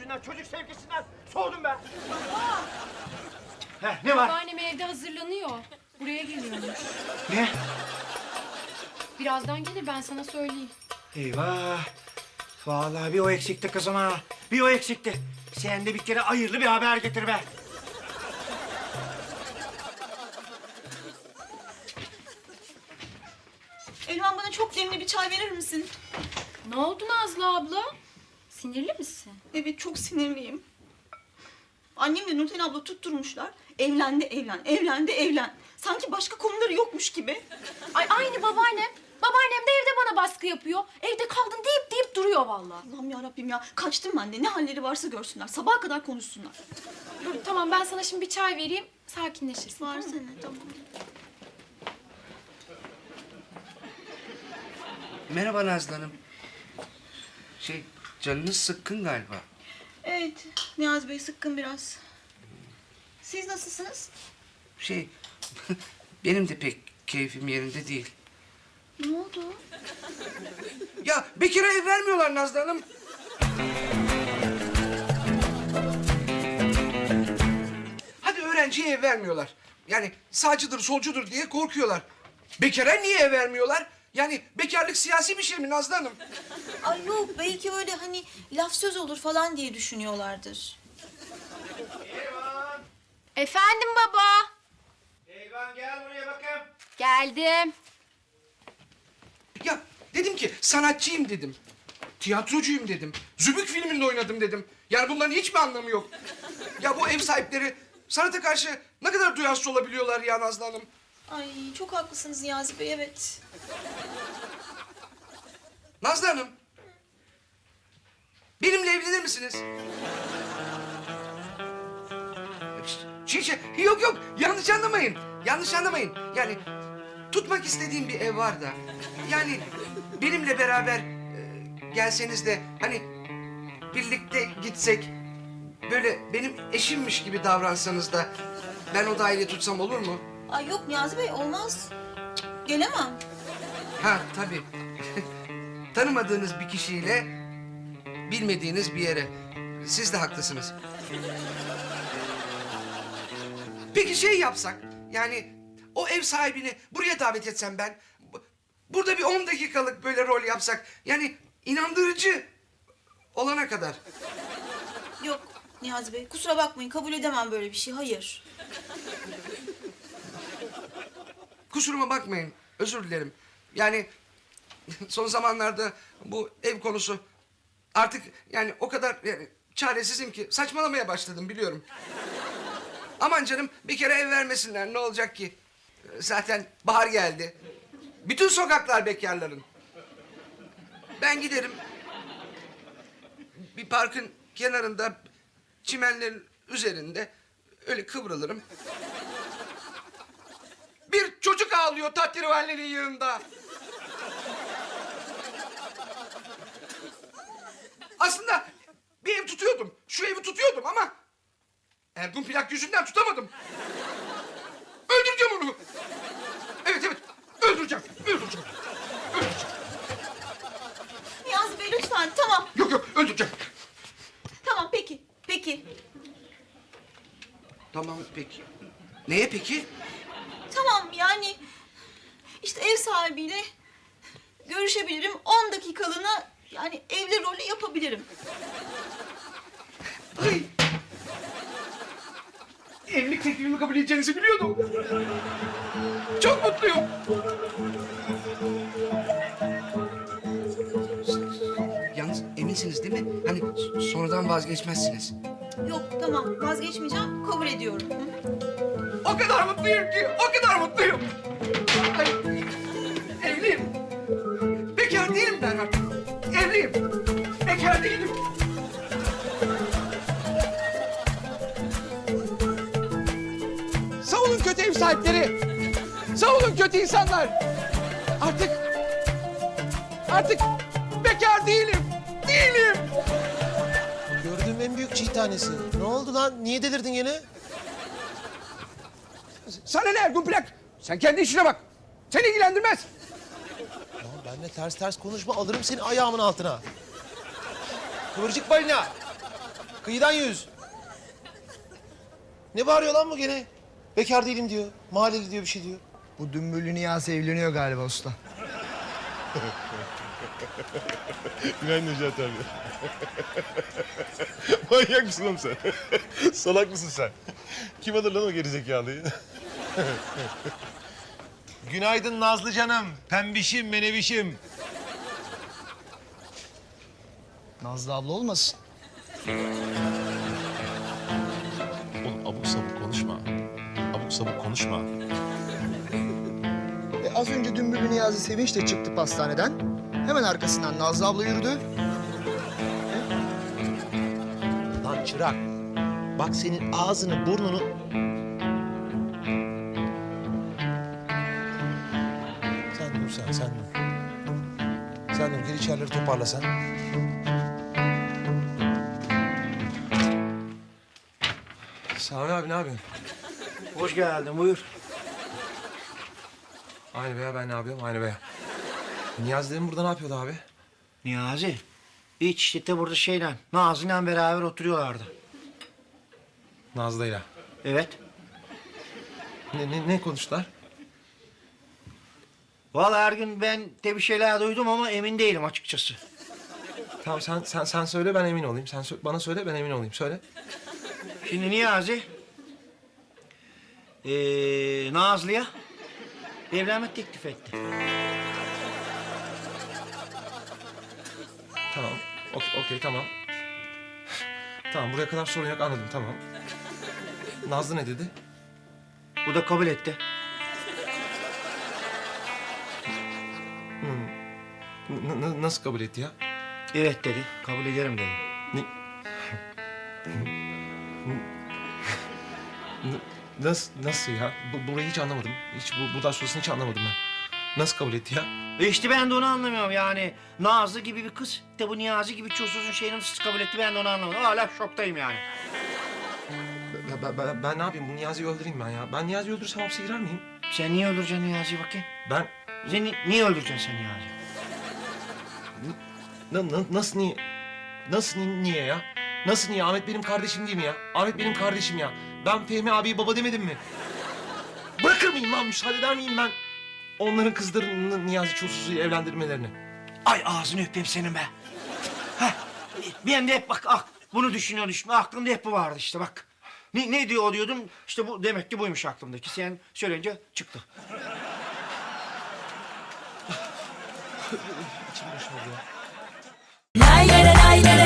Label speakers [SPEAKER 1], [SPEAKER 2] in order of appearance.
[SPEAKER 1] sevgisinden, çocuk sevgisinden soğudum ben. Heh, ne var?
[SPEAKER 2] Babaannem evde hazırlanıyor. Buraya geliyormuş.
[SPEAKER 1] Ne?
[SPEAKER 2] Birazdan gelir, ben sana söyleyeyim.
[SPEAKER 1] Eyvah. Vallahi bir o eksikti kızım ha. Bir o eksikti. Sen de bir kere hayırlı bir haber getir be.
[SPEAKER 3] Elvan, bana çok demli bir çay verir misin?
[SPEAKER 2] Ne oldu Nazlı abla? Sinirli misin?
[SPEAKER 3] Evet, çok sinirliyim. Annemle Nurten abla tutturmuşlar. Evlendi, evlen, evlendi, evlen. Sanki başka konuları yokmuş gibi.
[SPEAKER 2] Ay aynı babaannem. Babaannem de evde bana baskı yapıyor. Evde kaldın deyip duruyor vallahi.
[SPEAKER 3] Allah'ım yarabbim ya. Kaçtım ben de. Ne halleri varsa görsünler. Sabaha kadar konuşsunlar.
[SPEAKER 2] Dur tamam, ben sana şimdi bir çay vereyim. Sakinleşirsin.
[SPEAKER 3] Var
[SPEAKER 2] tamam mı?
[SPEAKER 3] sene, tamam.
[SPEAKER 4] Merhaba Nazlı Hanım. Canınız sıkkın galiba.
[SPEAKER 3] Evet, Niyazi Bey sıkkın biraz. Siz nasılsınız?
[SPEAKER 4] Benim de pek keyfim yerinde değil.
[SPEAKER 3] Ne oldu?
[SPEAKER 4] Ya bekara ev vermiyorlar Nazlı Hanım. Hadi öğrenciye ev vermiyorlar. Yani sağcıdır, solcudur diye korkuyorlar. Bekara niye ev vermiyorlar? Yani bekarlık siyasi bir şey mi Nazlı Hanım?
[SPEAKER 3] Ay yok, belki öyle hani laf söz olur falan diye düşünüyorlardır.
[SPEAKER 2] Efendim baba.
[SPEAKER 1] Eyvan gel buraya bakayım.
[SPEAKER 2] Geldim.
[SPEAKER 4] Ya dedim ki sanatçıyım dedim. Tiyatrocuyum dedim. Zübük filminde oynadım dedim. Yani bunların hiç mi anlamı yok? Ya bu ev sahipleri sanata karşı ne kadar duyarsız olabiliyorlar ya Nazlı Hanım?
[SPEAKER 3] Ay çok haklısınız Niyazi Bey, evet.
[SPEAKER 4] Nazlı Hanım. Benimle evlenir misiniz? Yok yanlış anlamayın. Yanlış anlamayın. Yani tutmak istediğim bir ev var da. Yani benimle beraber gelseniz de hani birlikte gitsek böyle benim eşimmiş gibi davransanız da ben o daireyi tutsam olur mu?
[SPEAKER 3] Ay yok Niyazi Bey, olmaz. Gelemem.
[SPEAKER 4] Ha tabii. Tanımadığınız bir kişiyle bilmediğiniz bir yere. Siz de haklısınız. Peki yapsak, yani o ev sahibini buraya davet etsem ben, burada bir 10 dakikalık böyle rol yapsak, yani inandırıcı olana kadar.
[SPEAKER 3] Yok Niyazi Bey, kusura bakmayın, kabul edemem böyle bir şey, hayır.
[SPEAKER 4] Kusuruma bakmayın, özür dilerim. Yani son zamanlarda bu ev konusu artık yani o kadar yani çaresizim ki saçmalamaya başladım biliyorum. Aman canım bir kere ev vermesinler ne olacak ki? Zaten bahar geldi. Bütün sokaklar bekarların. Ben giderim. Bir parkın kenarında çimenlerin üzerinde öyle kıvrılırım. Bir çocuk ağlıyor tahterevallerin yanında. Aslında bir ev tutuyordum. Şu evi tutuyordum ama Ergun plak yüzünden tutamadım. Öldüreceğim onu. Evet öldüreceğim.
[SPEAKER 3] Niyazi Bey lütfen, tamam.
[SPEAKER 4] Yok öldüreceğim.
[SPEAKER 3] Tamam, peki.
[SPEAKER 4] Tamam peki. Neye peki?
[SPEAKER 3] Tamam yani işte ev sahibiyle görüşebilirim. 10 dakikalığına yani evli rolü yapabilirim.
[SPEAKER 4] Ay. Evlilik teklifimi kabul edeceğinizi biliyordum. Çok mutluyum. Yalnız eminsiniz değil mi? Hani sonradan vazgeçmezsiniz.
[SPEAKER 3] Yok tamam, vazgeçmeyeceğim, kabul ediyorum. Hı?
[SPEAKER 4] O kadar mutluyum ki, o kadar mutluyum. Ay, evliyim. Bekar değilim ben artık. Evliyim. Bekar değilim.
[SPEAKER 5] Savunun kötü ev sahipleri. Savunun kötü insanlar. Artık bekar değilim.
[SPEAKER 6] Gördüğüm en büyük çiğ tanesi. Ne oldu lan? Niye delirdin gene?
[SPEAKER 5] Sana ne Ergun Plak? Sen kendi işine bak. Seni ilgilendirmez.
[SPEAKER 6] Lan benimle ters konuşma, alırım seni ayağımın altına. Kıvırcık balina. Kıyıdan 100. Ne bağırıyor lan bu gene? Bekar değilim diyor. Mahalleli diyor bir şey diyor.
[SPEAKER 7] Bu dümbüllü Niyazi evleniyor galiba usta.
[SPEAKER 8] Günaydın Necati abi. Manyak mısın oğlum sen? Salak mısın sen? Kim alır lan o gerizekalıyı? Günaydın Nazlı canım. Pembişim, menevişim.
[SPEAKER 7] Nazlı abla olmasın?
[SPEAKER 8] Oğlum abuk sabuk konuşma. Abuk sabuk konuşma.
[SPEAKER 7] Az önce dümbüllü Niyazi Sevinç de çıktı pastaneden. Hemen arkasından Nazlı abla yürüdü.
[SPEAKER 6] Lan çırak. Bak senin ağzını, burnunu... Sen dur sen dur. Sen dur, gel içerileri toparla sen.
[SPEAKER 4] Sami abi ne yapıyorsun?
[SPEAKER 1] Hoş geldin, buyur.
[SPEAKER 4] Aynı be ya, ben ne yapıyorum? Aynı be ya. Niyazi dedim burada ne yapıyordu abi?
[SPEAKER 1] Niyazi, hiç işte burada şeyle, Nazlı'yla beraber oturuyorlardı.
[SPEAKER 4] Nazlı'yla.
[SPEAKER 1] Evet.
[SPEAKER 4] Ne konuştular?
[SPEAKER 1] Vallahi her gün ben de bir şeyler duydum ama emin değilim açıkçası.
[SPEAKER 4] Tamam sen söyle ben emin olayım. Sen bana söyle ben emin olayım. Söyle.
[SPEAKER 1] Şimdi Niyazi, Nazlı'ya evlenme teklif etti.
[SPEAKER 4] Tamam. Okey tamam. Tamam buraya kadar sorun yok anladım tamam. Nazlı ne dedi?
[SPEAKER 1] Bu da kabul etti.
[SPEAKER 4] Nasıl kabul etti ya?
[SPEAKER 1] Evet dedi, kabul ederim dedi.
[SPEAKER 4] Ne? Nasıl ya? Burayı hiç anlamadım. Hiç bu ders sonrasını hiç anlamadım ben. Nasıl kabul etti ya?
[SPEAKER 1] İşte ben de onu anlamıyorum yani. Nazlı gibi bir kız, de bu Niyazi gibi çulsuzun şeyini nasıl kabul etti ben de onu anlamadım. Hala şoktayım yani.
[SPEAKER 4] Ben ne yapayım? Bu Niyazi'yi öldüreyim ben ya. Ben Niyazi'yi öldürürsem hapse girer miyim?
[SPEAKER 1] Sen niye öldüreceksin Niyazi'yi bakayım?
[SPEAKER 4] Ben...
[SPEAKER 1] Sen niye öldüreceksin sen Niyazi'yi?
[SPEAKER 4] Nasıl niye? Nasıl niye ya? Nasıl niye? Ahmet benim kardeşim değil mi ya? Ahmet benim kardeşim ya. Ben Fehmi abiye baba demedim mi? Bırakır mıyım lan? Müsaade eder miyim ben? Onların kızlarını Niyazi Çulsuz'u evlendirmelerini.
[SPEAKER 1] Ay ağzını öpeyim senin be. Heh, ben de hep bak bunu düşünüyorum. Aklımda hep bu vardı işte bak. Ne diyor diyordum işte bu demek ki buymuş aklımdaki. Sen söyleyince çıktı.
[SPEAKER 4] İçim boşaldı ya.
[SPEAKER 9] Lay lay lay lay